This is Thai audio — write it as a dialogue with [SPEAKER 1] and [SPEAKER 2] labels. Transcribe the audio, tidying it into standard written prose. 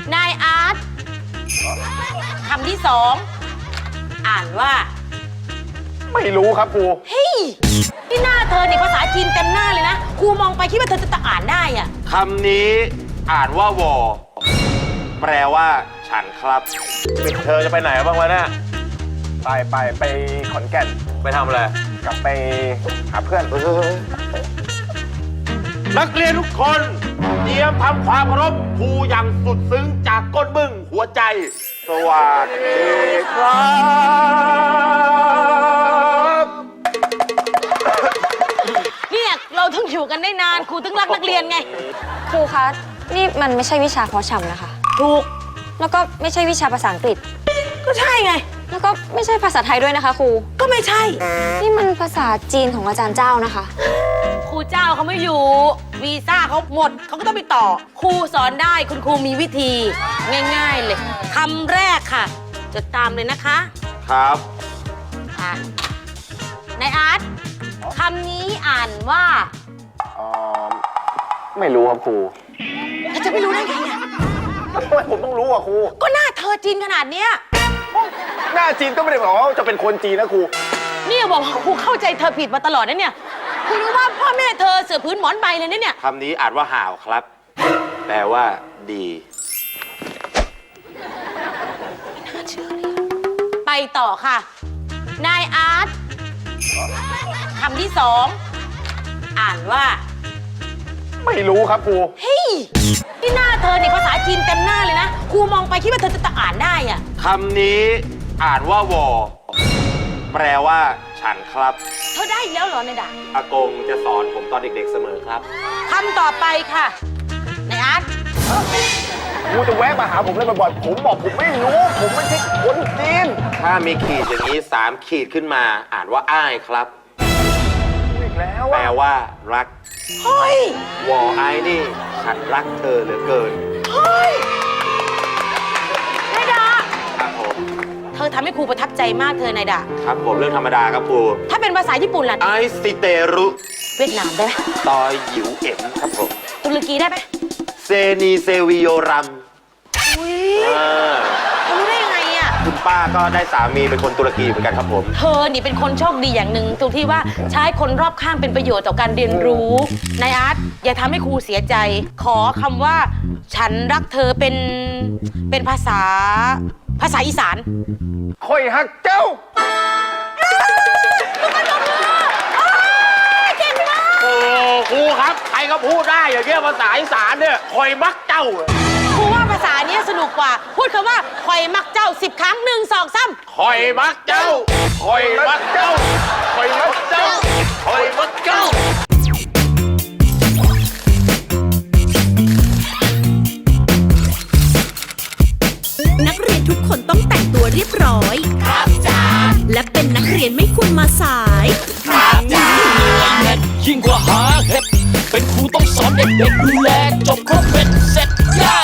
[SPEAKER 1] นายอาร์ตคำที่สองอ่านว่า
[SPEAKER 2] ไม่รู้ครับครู
[SPEAKER 1] เฮ้ยที่หน้าเธอเนี่ยภาษาจีนเต็มหน้าเลยนะครูมองไปคิดว่าเธอจะอ่านได้อะ
[SPEAKER 3] คำนี้อ่านว่าวอแปลว่าฉันครับ
[SPEAKER 2] เธอจะไปไหนบ้างวะเนี่ยไปขอนแก่น
[SPEAKER 3] ไปทำอะไร
[SPEAKER 2] กลับไปหาเพื่อน
[SPEAKER 3] นักเรียนทุกคนเตรียมทำความเคารพครูอย่างสุดซึ้งจากก้นบึ้งหัวใจสวัสดีครับ
[SPEAKER 1] เนี่ยเราต้องอยู่กันได้นานครูถึงรักนักเรียนไง
[SPEAKER 4] ครูคะนี่มันไม่ใช่วิชาเพาะชำนะคะ
[SPEAKER 1] ถูก
[SPEAKER 4] แล้วก็ไม่ใช่วิชาภาษาอังกฤษ
[SPEAKER 1] ก็ใช่ไง
[SPEAKER 4] แล้วก็ไม่ใช่ภาษาไทยด้วยนะคะครู
[SPEAKER 1] ก็ไม่ใช่
[SPEAKER 4] นี่มันภาษาจีนของอาจารย์เจ้านะคะ
[SPEAKER 1] ครูเจ้าเขาไม่อยู่วีซ่าเขาหมดเขาก็ต้องไปต่อครูสอนได้คุณครูมีวิธีง่ายๆเลยคำแรกค่ะจดตามเลยนะคะ
[SPEAKER 3] ครับ
[SPEAKER 1] นายอาร์ตคำนี้อ่านว่า
[SPEAKER 2] ไม่รู้ครับครู
[SPEAKER 1] จะไม่รู้ได้ไงอ่ะ
[SPEAKER 2] ทำไมผมต้องรู้อ่ะครู
[SPEAKER 1] ก็หน้าเธอจีนขนาดเนี้ย
[SPEAKER 2] หน้าจีนก็ไม่ได้บอกว่าจะเป็นคนจีนนะครู
[SPEAKER 1] นี่บอกว่าครูเข้าใจเธอผิดมาตลอดนะเนี่ยครูรู้ว่าพ่อแม่เธอเสือพื้นหมอนใบเลยนะเนี่ย
[SPEAKER 3] คำนี้อ่านว่าห่าวครับแปลว่าดี
[SPEAKER 1] ไม่น่าเชื่อเลยไปต่อค่ะนายอาร์ตคำที่สองอ่านว่า
[SPEAKER 2] ไม่รู้ครับครู
[SPEAKER 1] เฮ้ยที่หน้าเธอเนี่ยภาษาจีนเต็มหน้าเลยนะครูมองไปคิดว่าเธอจะอ่านได้อะ
[SPEAKER 3] คำนี้อ่านว่าวอแปลว่าฉันครับ
[SPEAKER 1] เธอได้อีกแล้วเหรอนายดา
[SPEAKER 3] อากงจะสอนผมตอนเด็กๆเสมอครับ
[SPEAKER 1] คำต่อไปค่ะนายอาร์ต
[SPEAKER 2] ครูจะแวะมาหาผมเลยบ่อยๆผมบอกผมไม่รู้ผมไม่ใช่คนจีน
[SPEAKER 3] ถ้ามีขีดอย่างนี้3 ขีดขึ้นมาอ่านว่าอ้ายครับ
[SPEAKER 2] อีกแล้ว
[SPEAKER 3] แปลว่ารัก
[SPEAKER 1] เฮ้
[SPEAKER 3] ยวอไอ้นี่ฉันรักเธอเหลือเกิน
[SPEAKER 1] เฮ้ยนายดา
[SPEAKER 3] ครับผม
[SPEAKER 1] เธอทำให้ครูประทับใจมากเธอนายดา
[SPEAKER 3] ครับผมเรื่องธรรมดาครับครู
[SPEAKER 1] ถ้าเป็นภาษาญี่ปุ่นล่ะ
[SPEAKER 3] ไอซิเตรุ
[SPEAKER 1] เวียดนามได้ไหม
[SPEAKER 3] ตอยหยิวเอ็มครับผม
[SPEAKER 1] ตุรกีได้ไหม
[SPEAKER 3] เซนีเซวิโยรัม
[SPEAKER 1] อุ้ยเธอรู้ได้ยังไงอ่ะ
[SPEAKER 3] คุณป้าก็ได้สามีเป็นคนตุรกีเหมือนกันครับผม
[SPEAKER 1] เธอนี่เป็นคนโชคดีอย่างหนึ่งตรงที่ว่าใช้คนรอบข้างเป็นประโยชน์ต่อการเรียนรู้นายอาร์ตอย่าทำให้ครูเสียใจขอคำว่าฉันรักเธอเป็นภาษาอีสาน
[SPEAKER 2] คอยฮักเจ้า
[SPEAKER 1] เก่งมาก
[SPEAKER 3] โอ้ครูครับใครก็พูดได้อย่างเงี้ยภาษาอีสานเนี่ยคอยมักเจ้า
[SPEAKER 1] ครูว่าภาษานี้สนุกกว่าพูดคำว่าคอยมักเจ้า10 ครั้ง1 2 3
[SPEAKER 3] คอยมักเจ้าคอยมักเจ้าคอยมักเจ้าคอยมักเจ้า
[SPEAKER 5] นักเรียนทุกคนต้องแต่งตัวเรียบร้อยครับจ้าและเป็นนักเรียนไม่ควรมาสายครับจ้า
[SPEAKER 6] ยิ่งกว่าหาเห็ดเป็นครูต้องสอนเด็กๆดูแลจบครบเป็นเสร็จย่า